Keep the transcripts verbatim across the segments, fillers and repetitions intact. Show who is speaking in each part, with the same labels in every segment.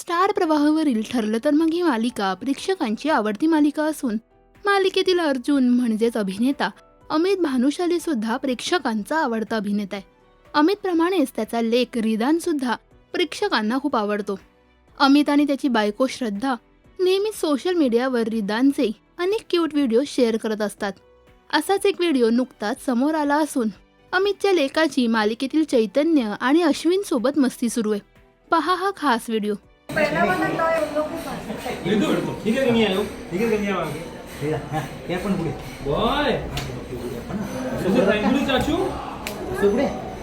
Speaker 1: Star प्रवाहावरील ठरलं तर मग ही मालिका प्रेक्षकांची आवडती मालिका असून मालिकेतील अर्जुन म्हणजेच अभिनेता अमित भानुशाली सुद्धा प्रेक्षकांचा आवडता अभिनेता आहे. अमित प्रमाणेच त्याचा लेक रिदान सुद्धा प्रेक्षकांना खूप आवडतो. अमित आणि त्याची बायको श्रद्धा नेहमीच सोशल मीडियावर रिदानचे अनेक क्यूट व्हिडिओ शेअर करत असतात. असाच एक व्हिडिओ नुकताच समोर आला असून अमितच्या लेकाची मालिकेतील चैतन्य आणि अश्विन सोबत मस्ती सुरू आहे. पहा हा खास व्हिडिओ.
Speaker 2: पहला वाला टॉय उन लोग को पास है.
Speaker 3: ठीक है कन्या आयो ठीक है कन्या आगे
Speaker 4: हे पण पुढे
Speaker 3: बॉय सुपर ट्रायंगल चाचू
Speaker 4: पुढे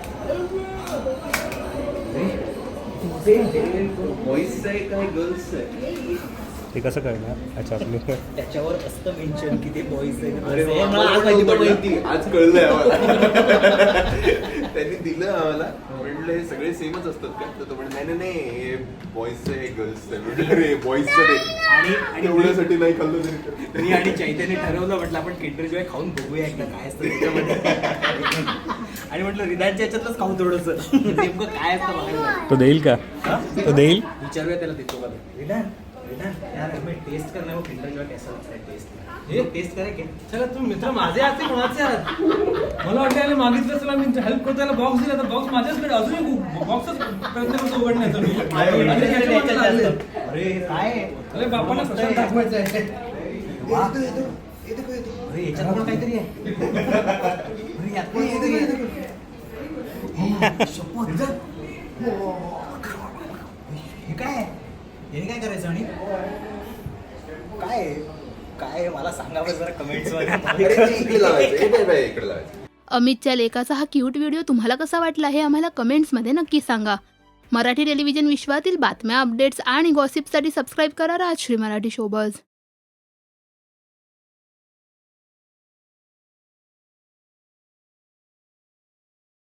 Speaker 5: बॉईज आहे काय गर्ल्स आहे
Speaker 6: ते कसं कळणार? अच्छा आपले
Speaker 4: त्याच्यावर असतं मेन्शन की ते बॉईज
Speaker 5: अरे वा, मला पण नव्हतं माहिती आज कळलंय आम्हाला. त्यांनी दिलं आम्हाला म्हटलं हे सगळे सेमच असतात का तर तो म्हणजे नाही नाही नाही हे बॉईज आहे गर्ल्स आहे म्हटलं अरे बॉईजचं नाही
Speaker 4: आणि आणि
Speaker 5: एवढ्यासाठी नाही खाल्लं तरी
Speaker 4: मी आणि चैतन्य ठरवलं म्हटलं आपण किंडर जॉय खाऊन बघूया एकदा काय असतं त्याच्यामध्ये. आणि म्हटलं रिदानच्या याच्यातलंच खाऊ थोडंसं नेमकं काय असतं बघायला.
Speaker 6: तो देईल का? तो देईल.
Speaker 4: विचारूया त्याला देतो का रिदान रिदान यार हमें टेस्ट करना है वो किंडर जॉय कैसा लगता है टेस्ट
Speaker 3: हे
Speaker 4: टेस्ट करेंगे.
Speaker 3: चला तुम्ही मित्र माझे आहात ते कोणाचे आहात? मला वाटतं याला मागितलं चला मी हेल्प करतो त्याला बॉक्स दिला तर बॉक्स माझ्याचकडे अजूनही बॉक्सच प्रयत्न करतो उघडण्याचा मी. आणि ह्याच्या मागे लागले.
Speaker 4: अरे काय
Speaker 3: अरे बापाला कशाला दाखवायचं आहे?
Speaker 4: वा. अरे याच्यात पण काहीतरी आहे. अरे यात पण काहीतरी आहे. शपथ. हे काय याने काय करायचं आणि काय काय मला सांगावं जरा कमेंट्स
Speaker 5: अरे ते इकडे लावायचं हे बाय बाय इकडे लावायचं.
Speaker 1: अमितच्या लेकाचा हा क्यूट व्हिडिओ तुम्हाला कसा वाटला हे आम्हाला कमेंट्समध्ये नक्की सांगा. मराठी टेलिव्हिजन विश्वातील बातम्या, अपडेट्स आणि गॉसिपसाठी सबस्क्राईब करा राजश्री मराठी शोबज.